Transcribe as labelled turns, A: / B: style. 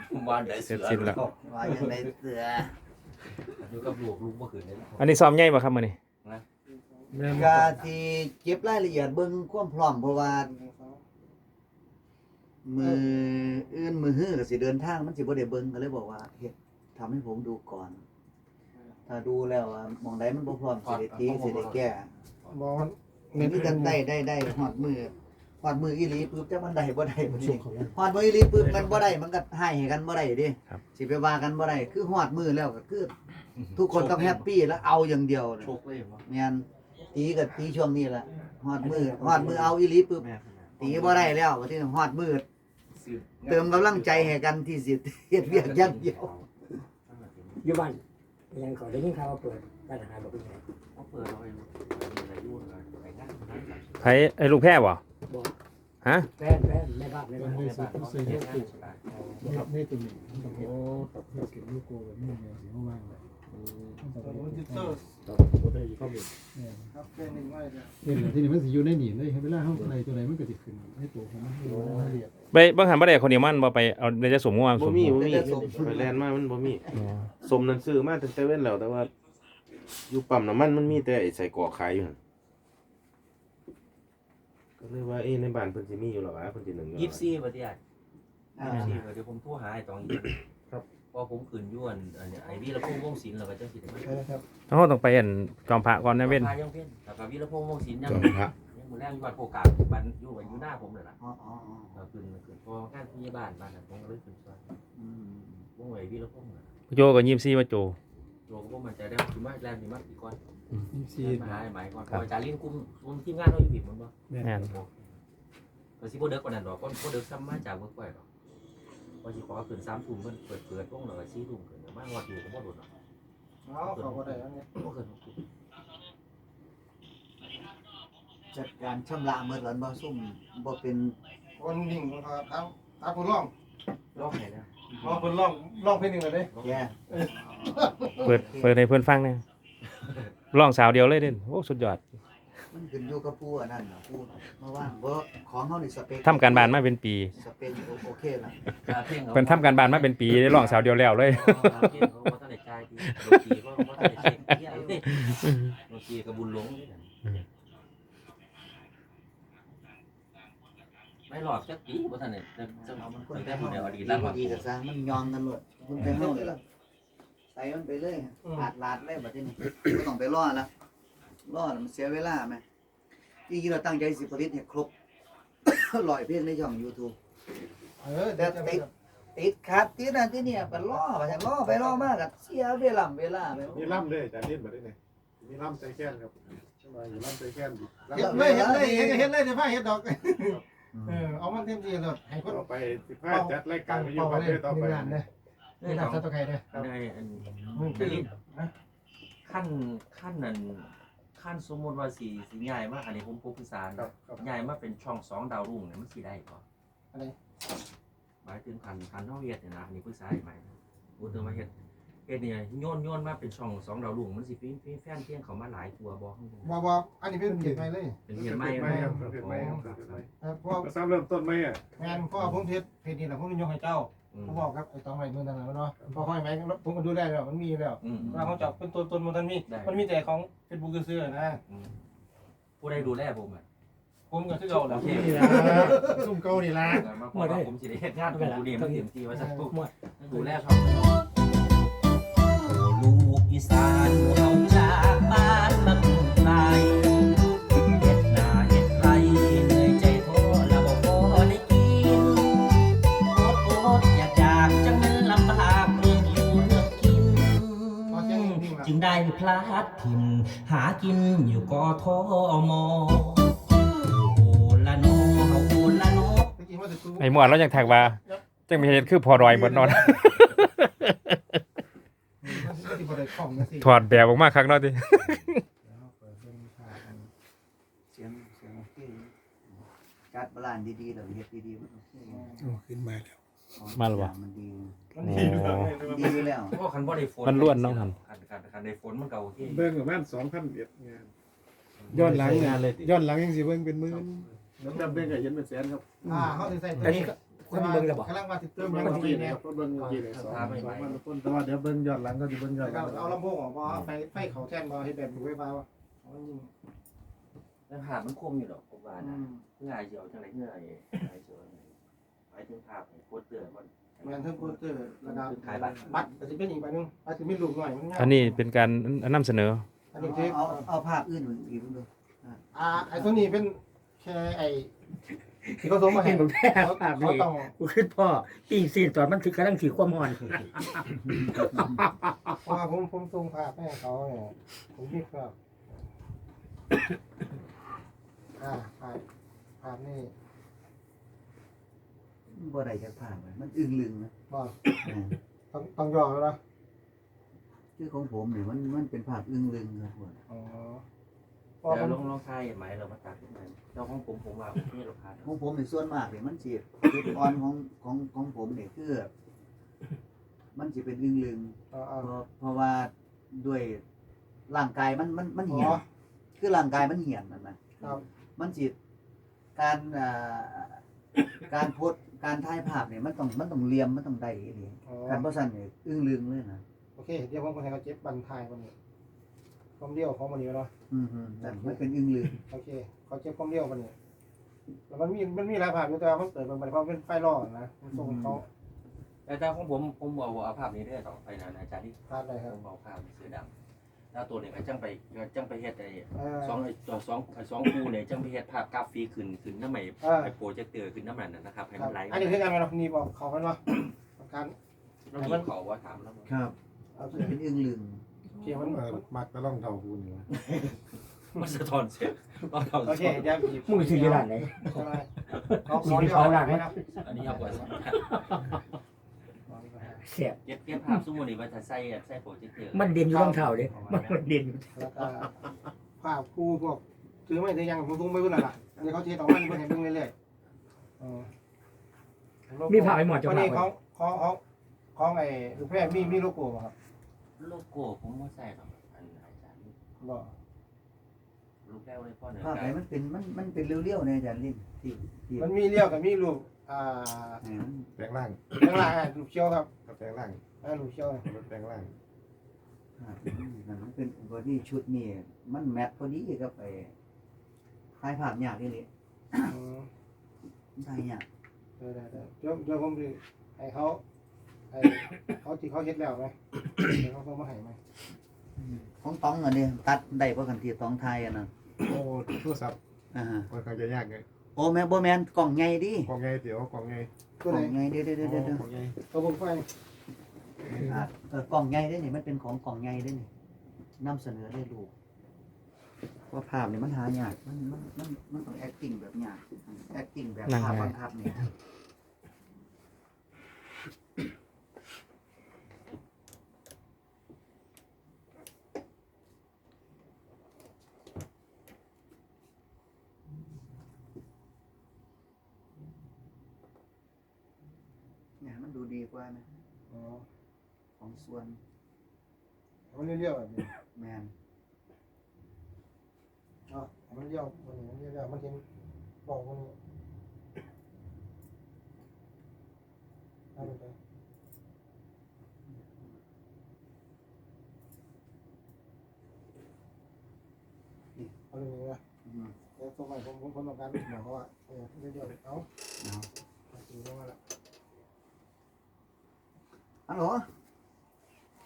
A: วันได้เสือแล้ว
B: ว่าอย่างไรเสือ
A: อยู่กับลูกบ่ขึ้นเลย
C: อันนี้ซ้อมใหญ่บ่ครับมื้อนี้
B: กาที่เก็บรายละเอียดเบิ่งความพร้อมเพราะว่ามืออื่นมือฮื้อก็สิเดินทางมันสิบ่ได้เบิ่งก็เลยบอกว่าเฮ็ดทำให้ผมดูก่อน ถ้าดูแล้วว่ามองใดมันบ่พร้อมสิได้ตีสิได้แก้
D: บอกมัน
B: มีกันได้ฮอดมืออีหลีปึ๊บจักมันได้บ่ได้บ่นี่ฮอดมืออีหลีปึ๊บมันบ่ได้มันก็ให้กันบ่ได้ดิสิไปว่ากันบ่ได้คือฮอดมือแล้วก็คือทุกคนต้องแฮปปี้แล้วเอาอย่างเดียว
A: โชคเลยบ่
B: แม่นตีก็ตีช่วงนี้ล่ะฮอดมือเอาอีหลีปึ๊บตีบ่ได้แล้วว่าที่ฮอดมือเติมกำลังใจให้กันที่สิเฮ็ดเวียกอย่างเดียว
D: อยู่บ้านยังขอได้ยินข่าวว่าเปิดร้านอาหารบอกเป็นไง
A: เขาเปิดเอาไว้อะไรยุ่งอะไรไปนั่ง
C: ไผไอ้ลูกแพ้บ่
D: บอก
C: ฮะ
D: แฟนแม่บ้านแม่บ้าน
A: ในบ้านเขาเฮ็ดงานสบาย
E: นี่ตัวนี้ต้องเห็นกับเพื่อเก็บลูกโกแบบนี้เนี่ยสีว่างเลยครับแค่หนึ่งไว้เนี่ยที่นี่มันสิอยู่ในหนีเลยเวลาเฮาในตัวไหนมันก็สิขึ้นให้ตัวของมันละเอียด
C: ไปเบิ่งหันบ่ได้คนเดียวมันบ่ไปเอาเดี๋ยวจะสมงัวส
F: บ่
C: ม
F: มีไปแลนด์มามันบ่มีสมนั่นซื้อมาตั้งแต่เว้นแล้วแต่ว่าอยู่ปั๊มน้ำมันมีแต่ไอ้ใส่กรอกขายอยู่หั่นก็เลยว่าในบ้านเพิ่นสิมีอยู่หรอวะเพิ่นสินึ่งอยู่
A: 24บ่ที่อ่ะ24เดี๋ยวผมโทรหาไอ้ตองอีกครับพอผมขึ้นอยู่อันนี้ไอ้วีรพงษ์วงศิลป์แล้วก็จังสิได้มา
E: ครับ
C: เฮาต้องไปอันจอมพระก่อนนะเว้น
A: ยังเว้นแล้วก็วีรพงษ์วงศิลป์ยัง
F: จอมพระ
A: ยังมื้อแรกอยู่บ้านโคกาบ้านอยู่หน้าผมนั่นล่ะ
B: อ๋อ
A: ขึ้นพองานที่บ้านนั้นผมก็เลยขึ้นซอยวงไว้วีรพงษ์น่ะ
C: โจก็24ว่าโจ
A: โจก็บ่มั่นใจได้สิมาแลนสิมาอีกก่อน
E: ซี
A: มาหาไอ้หมายก่อนเพราะอาจารย์ลิ้นคุมทีมงานเราอยู่ผิดมันบ่
C: แม่น
A: ก็สิบ่เด็กกว่านั้นดอกบ่เด็กซ้ำมาจากเวิร์กไว้ดอกพอสิขอขึ้น3 ทุ่มเพิ่นเปิดวงแล้วก็4 ทุ่มขึ้นมาฮอดอยู่ก็บ่โดนดอก
E: เอาเขาก็ได้แล้วเนี่ย
A: บ่เกิน6 ทุ่ม
B: จัดการชำระเมื่อหลันบ่ซุ่มบ่เป็น
E: คนนิ่งคนตาคนร้อง
A: รอบไหนนะ
E: คนร้องเพลงหนึ่งเลย
B: แย่
C: เปิดให้เพิ่นฟังแหน่ร้องสาวเดียวเลยเด้โอ้สุดยอด
B: มันขึ้นอยู่กับผู้อันนั้นน่ะผู้เมื่อว่าบ่ของเฮานี่สเปค
C: ทำการบ้านมาเป็นปี
B: สเปคโอเคล่ะ
C: เพิ่นทำการบ้านมาเป็นปีได้ร้องสาวเดียวแล้วเลย
A: เพลงเขาบ่ทันได้จ่ายดีดนตรีก็บ่ทันได้เช็คเหี้ยเด้ดนตรีก็บุญหลงนี่น่ะไม่หลอกจักปีบ่ทันได้จะเอามันคนแต่ผู้เดียวอดีตแล้ว
B: ดีก็ซะมันยองกันหมดคุณไปเฮาเลยล่ะใส่มันไปเลยลาดเลยบัดนี้บ่ต้องไปรอแล้วรอมันเสียเวลาแม่จริงๆเราตั้งใจสิผลิตให้ครบ 100เพลงในช่อง YouTube แต่ติดขัดติดนั่นติดเนี่ยไปรอไปจังรอไปรอมาก็เสียเวลาไป
E: มีล่ำเลยจานเล่นมาได้ไงมีล่ำใจแค้นครับใช่ไหมอยู่ล่ำใจแค้นดิ
B: เฮ็ดเลยเ
E: ดี๋ยวพาเฮ็ดดอกเอามันเต็มที่เลยให้คนไป15จัดรายการไปอยู่ประเทศต่อไปนี่ทำซะตัวใครเนี่ย
A: ในอันขั้นนั้นขั้นสมมุติว่าสิใหญ่มากอันนี้ผมปรึกษาใหญ่มาเป็นช่อง2ดาวรุ่งเนี่ยมันสิได้บ่อะไรหมายถึงคันเฮาเฮ็ดเนี่ยนะอันนี้ปรึกษาใหม่พูดถึงว่าเฮ็ดเนี่ยโยนมาเป็นช่อง2ดาวรุ่งมันสิมีแฟนเพียงเขามาหลายตัวบ่
E: บ่อันนี้เป็นเกียรติใหม่เลย
A: เป็นเพียงใหม่ครับ
E: เพราะซ้ำเริ่มต้นไหมอ่ะงานพ่อผมเพจนี่แหละผมยกให้เจ้าผมบอกครับไอ้ตองใหม่เมืองต่างๆเนาะพอค่อยไหมผมก็ดูได้แล้วมันมีแล้วเราเขาจับเป็นต้นมันมีแต่ของเฟซบุ๊กซื้อนะ
A: ผู้ใดดูแลผมอ่ะ
E: ผมก็คือเก่าแล้วซุ่มเก่านี่ละ
A: มาได้ผมสิได้เฮ็ดงานกับผู้นี้มันเต็มที่ว่าสักทุกดูแลช่องลูกอีสานเฮาจากบ้านมาปลูกไร่เฮ็ดนาเฮ็ดไร่เหนื่อยใจท้อแล้วบ่พอได้กินอดอยากจังมันลำบากเรื่องอยู่เรื่องกินจึงได้พลาดถิ่นหากินอยู่กทมโอละโนโอละโน
C: ไอ้หมวดเรายังแท็กว่าจังมีเฮ็ดคือพอรอยหมดนอน ถอดแบบออกมาครั้งเนาะติ
B: เสียงโอเคจัดบาลานซ์ดีๆแล้วเฮ็ดดีๆมันโอเค
E: ขึ้นมาแล้ว
C: มาแล้วบ่
B: มันดี
C: โอ้
B: ดีอยู่แล้ว
A: เพราะคันบ่ได้ฝน
C: มันล้วนเนาะครับ
A: คันได้ฝนมันก็โอเค
E: เบิ่งประมาณ2,001งานย้อนหลังยังสิเบิ่งเป็นหมื่นน้ำดำเบิ่งก็เห็นเป็นแสนครับเขาสิใส่ตัวนี้
D: คนเบิ่งแล้วบ่
E: กำลังมาติดเติม
G: เบิ่
E: ยัง
G: ง
E: บ่
G: กี่
E: มี
G: เนี่
E: เนี่ย ย
G: เบิ่งกี่เลย2 2,000คนแต่ว่าเดี๋ยวเบิ่งย้อนหลังก็สิเบิ่งย้อนหลัง
E: เอาลำโพงออกบ่ไฟเขาแท่นบ่เฮ็ดแบบไฟฟ้าบ่
A: แล้วภาพมันคมอยู่หรอกผมว่านะเพื่อไอ้เจียวจังไรเพื่อไอ้เจียวไอ้ถึงภาพโคตรเตือนมัน
E: แม่นเทิงโปสเตอร์ระดับ
A: ขายบัตร
E: บัตรก็สิเป็นอีกใบนึงอาจจะมีรูปหน่อยมัน
C: อันนี้เป็นการนำเสนอ
E: อันนี้คือ
B: เอาภาพอื่นอีกดู
E: ไอ้ตัวนี้เป็นแค่ไอ้ที่เขาส่งมาให้
D: เห็นผมแพ้ภาพ
E: เขา
D: นี้
E: ต้อง
D: กูคิดพ่อปิ้งซีนตอนมันถือกำลังถือความร้อน
E: เพราะว่าผมส่งภาพให้เขาเนี่ยผมคิดว่าภาพนี่
B: บ่ได้จากภาพมันอึ้งลึงนะ
E: บ่ต้องยอมแล้วนะ
B: คือของผมเนี่ยมันเป็นภาพอึ้งลึงครับผม
E: อ๋อ
A: แล้วลองทายไหมเรามาตัดขึ้นมาเราของผมว่าโอเคเราพา
B: ของผมในส่วนมากเนี่ยมันสิจุดอ่อนของผมเนี่ยคือมันสิเป็นอึ้งลึงเพราะว่าด้วยร่างกายมันเหี่ยนคือร่างกายมันเหี่ยนนะครับ มันสิการโพสการถ่ายภาพเนี่ยมันต้องเหลี่ยมมันต้องได้ดีการบ่ซั่นเนี่ยอึ้งลึงเลยนะ
E: โอเคเดี๋ยวผมก็ให้เขาเจ็บบันทายคนนี้ความเลี้ยวของมันนี้เนาะ
B: แต่มันเป็นอึ้งลึง
E: โอเคเขาเจ็บความเลี้ยวมันนี้แล้วมันมีหลายภาพอยู่แต่ว่ามันเปิดมันเพราะเป็นไฟล่อนะมันส่งเขา
A: แต่ของผมเอาภาพนี้ได้ต่อไปนะอาจารย์ที่
E: ภาพอะไรครับ
A: ผมเอาภาพเสือดำแล้วตัวนี้ก็จังไปเฮ็ดไอ้
E: สอง
A: สองคู่เนี่ยจังไปเฮ็ดภาพกราฟิกขึ้นน้ำใหม่ไอ้โปรเจคเตอร์ขึ้นน้ำมันนะครับให้มันไหล
E: อันนี้คือการเรานี่บอกเขากันว่าการ
A: เรามีเขาว่าถามแล้ว
B: ครับเป็นอึ้งลึง
E: เขียนมัน
G: มักตะล่องเท่ากูนี่วะ
A: มันสะท้อนเสียง
E: โอเคเดี๋ยว
D: มึงซื้อที่ร้านไหน
E: ใช่ไหมเขาเรียกว่าอะไรนะ
A: อันนี้เอาไว้
D: เสียบ
A: เก็บภาพสมมุติว่าถ้าใส่โปรเจคเตอร์
D: มันเด่นอยู่รองเท้าเด้มันเด่นอยู่
E: แล้วก็ภาพคู่พวกถือไม่ได้ยังผมทุ่งไม่รู้น่ะอันนี้เขาเทต่อมันเพิ่งเห็นเพิ่งเรื่อยๆ
D: มีผ้าไอ้หมอดจะ
E: วัน
D: ผ้า
E: นี้
D: ไว้
E: ของไอ้ลูกแพร่มีโลโก้ป่ะครับ
A: โลโก้ผมว่าใส่หรอกอันอาจารย์
E: บ่
A: ลูกแก้วเลยพ่อเนื้อ
B: ภาพไหนมันเป็นเรียวๆในอาจารย์ลิ้นที่
E: มันมีเลี้ยวกับมีรูป
G: แปลงร่าง
E: ข้างล่างรูปเขียวครับ
G: แปลงร่าง
E: รูปเขียว
G: แปลงร่าง
B: มันเป็นบอดี้ชุดนี่มันแมทพอดีกับไอ้ถ่ายภาพยากนี่เลยถ่ายยาก
E: เดี๋ยวผมดูให้เขาที่เขาเฮ็ดแล้วไหมเดี๋ยวเขาส่งมาให้ไหม
B: ของต้องอันนี้ตัดได้เพราะกันที่ต้องถ่ายอันนั้น
G: โอ้โทรศัพท์ ค่อนข้างจะยากไง
B: โอ้แม่บ่แม่นกล่องใหญ่ดิ
G: กล่องไงเดี๋ยวกล่องไง
B: กล่องใหญ่เด้อ
G: กล่องไง
E: ตัวผมไฟ
B: กล่องใหญ่เด้อนี่มันเป็นของกล่องใหญ่เด้อนี่นำเสนอได้ลูกว่าภาพนี่มันหายากมันต้อง acting แบบยาก acting แบบภาพบังคับนี่เนี่ยมันดูดีกว่านะของส่วน
E: มันเลี้ยวแบบนี้
B: แมน
E: มันเลี้ยวมันเลี้ยวมันเห็นบอกมันเอาไปเอาเลยนะเดี๋ยวส่งไปผมต้องการหมายความว่าเลี้ยวเอาดูมาแล้ว
B: ฮัลโหล